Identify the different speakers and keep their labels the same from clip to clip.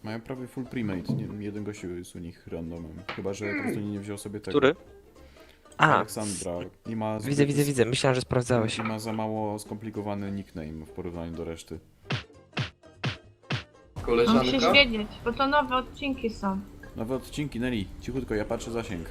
Speaker 1: Mają prawie full premade, jeden gościu jest u nich randomem. Chyba, że po prostu nie wziął sobie tego.
Speaker 2: Który? A,
Speaker 1: Aleksandra. I ma
Speaker 2: widzę. Myślałem, że sprawdzałeś.
Speaker 1: I ma za mało skomplikowany nickname w porównaniu do reszty.
Speaker 3: Musisz
Speaker 4: Koleżanka?
Speaker 3: wiedzieć, bo to nowe odcinki są.
Speaker 1: Nowe odcinki, Nelly. Cichutko, ja patrzę zasięg.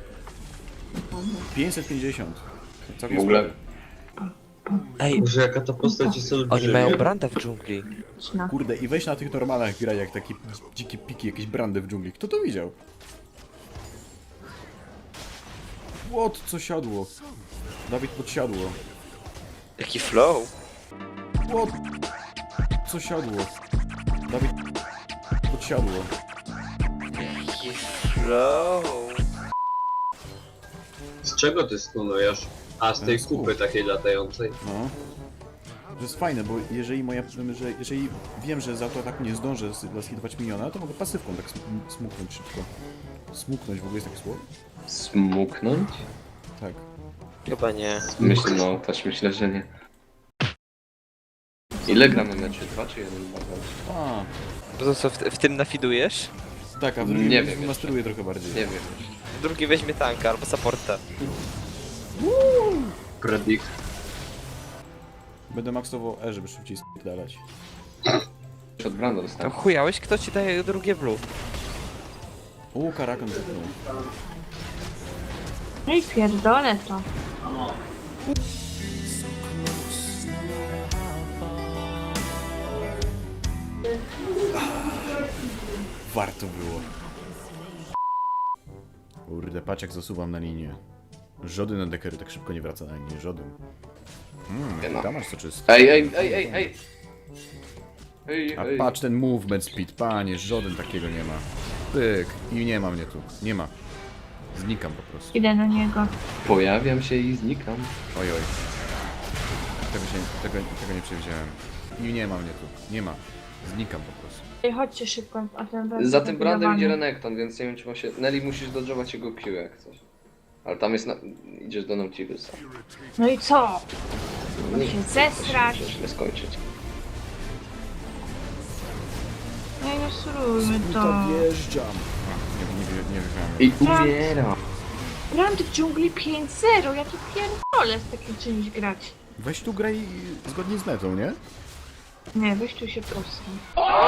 Speaker 1: 550. Całkiem
Speaker 4: W ogóle-
Speaker 1: sporo.
Speaker 2: Ej,
Speaker 4: Boże, jaka ta postać jest
Speaker 2: oni
Speaker 4: olbrzymia.
Speaker 2: mają brandę w dżungli.
Speaker 3: No.
Speaker 1: Kurde, i weź na tych normalach graj jak takie dzikie piki, jakieś brandy w dżungli. Kto to widział? What? Co siadło? Dawid podsiadło.
Speaker 2: Jaki flow.
Speaker 1: What? Co siadło? Dawid podsiadło.
Speaker 2: Jaki flow.
Speaker 4: Z czego ty stunujesz? A, z tej
Speaker 1: Z
Speaker 4: kupy
Speaker 1: kup.
Speaker 4: takiej latającej.
Speaker 1: No. To jest fajne, bo jeżeli wiem, że za to tak nie zdążę zaskidować miniona, to mogę pasywką tak smuknąć szybko. Smuknąć w ogóle jest takie słowo?
Speaker 4: Smuknąć?
Speaker 1: Tak.
Speaker 2: Chyba nie.
Speaker 5: No, też myślę, że nie. Ile gramy meczy? 2 czy 1?
Speaker 1: A,
Speaker 2: To co, w tym nafidujesz?
Speaker 1: tak, a w
Speaker 5: Nie
Speaker 1: drugim
Speaker 5: wiem jeszcze.
Speaker 1: masteruję trochę bardziej.
Speaker 5: Nie wiem.
Speaker 2: Drugi weźmie tanka albo supporta.
Speaker 4: Predict.
Speaker 1: Będę maksował E, żeby szybciej dalać.
Speaker 5: Od Branda
Speaker 2: Tam
Speaker 5: dostałem.
Speaker 2: chujałeś? Kto ci daje drugie blue?
Speaker 1: Karakan zepnął.
Speaker 3: No i pierdolę to.
Speaker 1: Warto było. Kurde, patrz jak zasuwam na linię. Żody na dekery tak szybko nie wraca na linię, żodyn.
Speaker 5: no.
Speaker 1: Tam masz co czysto.
Speaker 5: Ej!
Speaker 1: A patrz ten movement speed, panie, żaden takiego nie ma. Pyk, i nie ma mnie tu, nie ma. Znikam po prostu.
Speaker 3: Idę na niego.
Speaker 5: Pojawiam się i znikam.
Speaker 1: Oj. Tego nie przewidziałem. I nie ma mnie tu, nie ma. Znikam po prostu.
Speaker 3: Ej, chodźcie szybko, a ten będzie
Speaker 5: Za tym Brandem idzie
Speaker 3: zabudowany.
Speaker 5: Renekton, więc nie wiem czy ma się... Nelly musisz dodżować jego Q jak coś. Ale tam jest na... Idziesz do Nautilusa.
Speaker 3: No i co?
Speaker 5: No
Speaker 3: się zesrać.
Speaker 5: Musisz źle skończyć.
Speaker 3: No i no surujmy to.
Speaker 1: Wjeżdżam. Nie wygrałem.
Speaker 5: I umieram.
Speaker 3: Brand w dżungli 5-0, ja tu pierdolę z takim czymś grać.
Speaker 1: Weź tu graj zgodnie z netą, nie?
Speaker 3: Nie, weź tu się posłuchaj.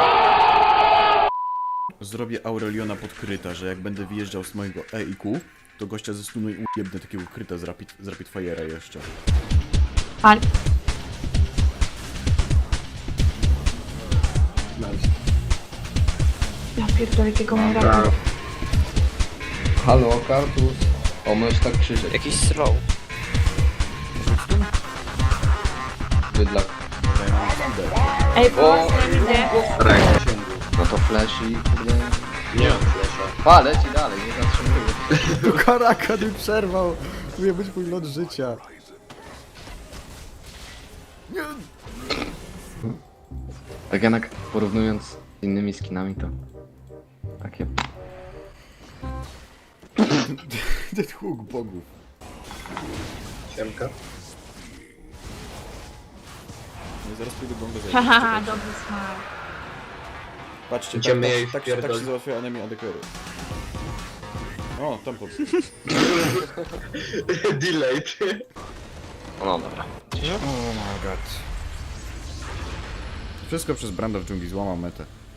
Speaker 1: Zrobię Aureliona pod kryta, że jak będę wyjeżdżał z mojego E i Q, to gościa zestunuj i ujebnę takiego kryta z Rapid Fire'a jeszcze.
Speaker 3: Ale... Ja pierdolę, jakiego mam raka.
Speaker 5: Halo, Kartus. O, możesz tak krzyczeć.
Speaker 2: Jakiś slow.
Speaker 5: Bydlak.
Speaker 3: Ej,
Speaker 5: O!
Speaker 3: pomocy nam idzie.
Speaker 4: Ręka sięgu.
Speaker 5: No to flash i kurde...
Speaker 4: Nie mam flesza.
Speaker 5: Pa, leci dalej, nie zatrzymuje.
Speaker 1: Karakan mi przerwał! Mój być mój lot życia. Nie.
Speaker 5: Tak jednak porównując z innymi skinami to... Takie...
Speaker 1: Ten huk bogów.
Speaker 4: Siemka.
Speaker 1: No zaraz pójdę gongo zajść.
Speaker 3: Haha, dobry smak.
Speaker 1: Patrzcie,
Speaker 4: Idziemy jej
Speaker 1: tak się
Speaker 4: wpierdolić.
Speaker 1: załatwia enemy adekery. O, tam pod...
Speaker 4: Delayed.
Speaker 5: No dobra.
Speaker 1: Oh my god. Wszystko przez Branda w dżungli, złamał metę.